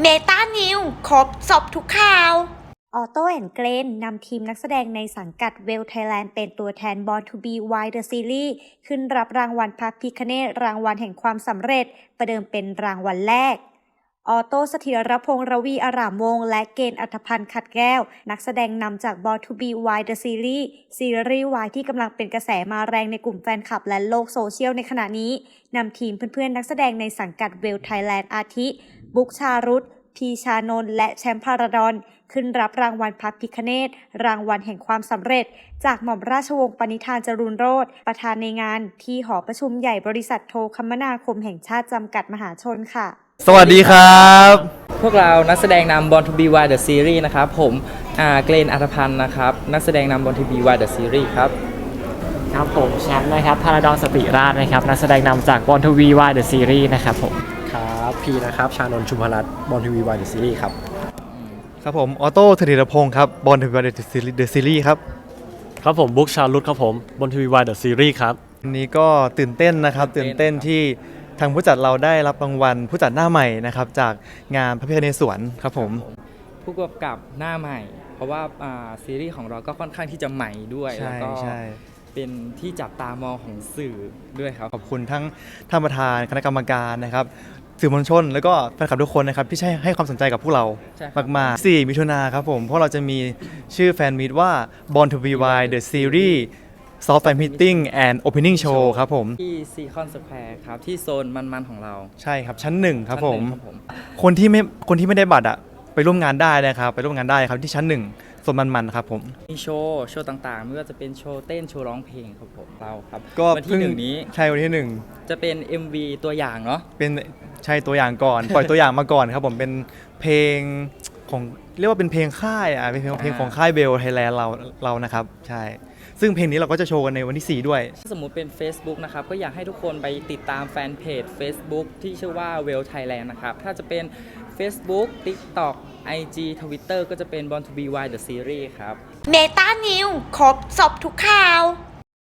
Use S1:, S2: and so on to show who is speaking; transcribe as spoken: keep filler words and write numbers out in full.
S1: เมตานิวครบสอบทุกข่าว
S2: ออโต้แอนด์เกรนนำทีมนักแสดงในสังกัดเวลไทยแลนด์เป็นตัวแทน Born to be Wild The Series ขึ้นรับรางวัลพระพิฆเนศรางวัลแห่งความสำเร็จประเดิมเป็นรางวัลแรกออโต้เสถียรพงษ์ระวีอารามวงศ์และเกณฑ์อัธพันธ์ขัดแก้วนักแสดงนำจาก Born to be Wild The Series ซีรีส์วายที่กำลังเป็นกระแสมาแรงในกลุ่มแฟนคลับและโลกโซเชียลในขณะนี้นำทีมเพื่อนๆนักแสดงในสังกัดเวลไทยแลนด์อาทิบุ๊กชารุตพีชานนท์และแชมป์พาราดอนขึ้นรับรางวัลพระพิฆเนศรางวัลแห่งความสำเร็จจากหม่อมราชวงศ์ปณิธานจรูนโรจน์ประธานในงานที่หอประชุมใหญ่บริษัทโทรคมนาคมแห่งชาติจำกัดมหาชนค่ะ
S3: สวัสดีครับ
S4: พวกเรานักแสดงนำ Born to be Wild The Series นะครับผมอ่าเกรนอัธพันธ์นะครับนักแสดงนำ Born to be Wild The Series ครับ
S5: ครับผมแชมป์นะครับพาราดอนสติราชนะครับนักแสดงนำจาก Born to be Wild The Series นะครับผม
S6: ครับพีนะครับชานนท์ชุมพรัตน์บอลทีวีวายเดอะซีรีส์ครับ
S3: ครับผมออโต้เสถียรพงศ์ครับบอลทีวีวายเดอะซีรีส์ครับ
S7: ครับผมบุ๊กชาลุตครับผมบนทีวีวายเดอะซีรีส์ครับ
S3: วันนี้ก็ตื่นเต้นนะครับตื่นเต้นที่ทางผู้จัดเราได้รับรางวัลผู้จัดหน้าใหม่นะครับจากงานพระพิฆเนศสวนครับผม
S4: ผู้กำกับหน้าใหม่ เพราะว่าซีรีส์ของเราก็ค่อนข้างที่จะใหม่ด้วยแล้วก็เป็นที่จับตามองของสื่อด้วยครับ
S3: ขอบคุณทั้งท่านประธานคณะกรรมการนะครับสื่อมวลชนแล้วก็แฟนคลับทุกคนนะครับที่ให้ความสนใจกับพวกเรามากๆสี่มิถุนาครับผมเพราะเราจะมีชื่อแฟนมีตว่า Born to be Wild The Series Soft Fan Meeting and Opening Show ครับผม
S4: ที่ซีคอนสแควร์ครับที่โซนมันๆของเรา
S3: ใช่ครับชั้นหนึ่งครับผมคนที่ไม่คนที่ไม่ได้บัตรอะไปร่วมงานได้นะครับไปร่วมงานได้ครับที่ชั้นหนึ่งส่วนมันๆครับผม
S4: มีโชว์โชว์ต่างๆไม่ว่าจะเป็นโชว์เต้นโชว์ร้องเพลงครับผมเราครับ
S3: ก็
S4: วันที่หนึ่งนี้
S3: ใช่วันที่หนึ่ง
S4: จะเป็น เอ็ม วี ตัวอย่างเนาะ
S3: เป็นใช่ตัวอย่างก่อน ปล่อยตัวอย่างมาก่อนครับผมเป็นเพลงของเรียกว่าเป็นเพลงค่ายอ่ะเป็นเพลงเพลงของค่ายเบลไทยแลนด์เราเรานะครับใช่ซึ่งเพลงนี้เราก็จะโชว์กันในวันที่สี่ด้วย
S4: ถ้าสมมุติเป็น Facebook นะครับก็อยากให้ทุกคนไปติดตามแฟนเพจ Facebook ที่ชื่อว่า Well Thailand นะครับถ้าจะเป็น Facebook TikTok ไอ จี Twitter ก็จะเป็น Born to be Wild The Series ครับ
S1: เมตานิวครบสอบทุกข่าว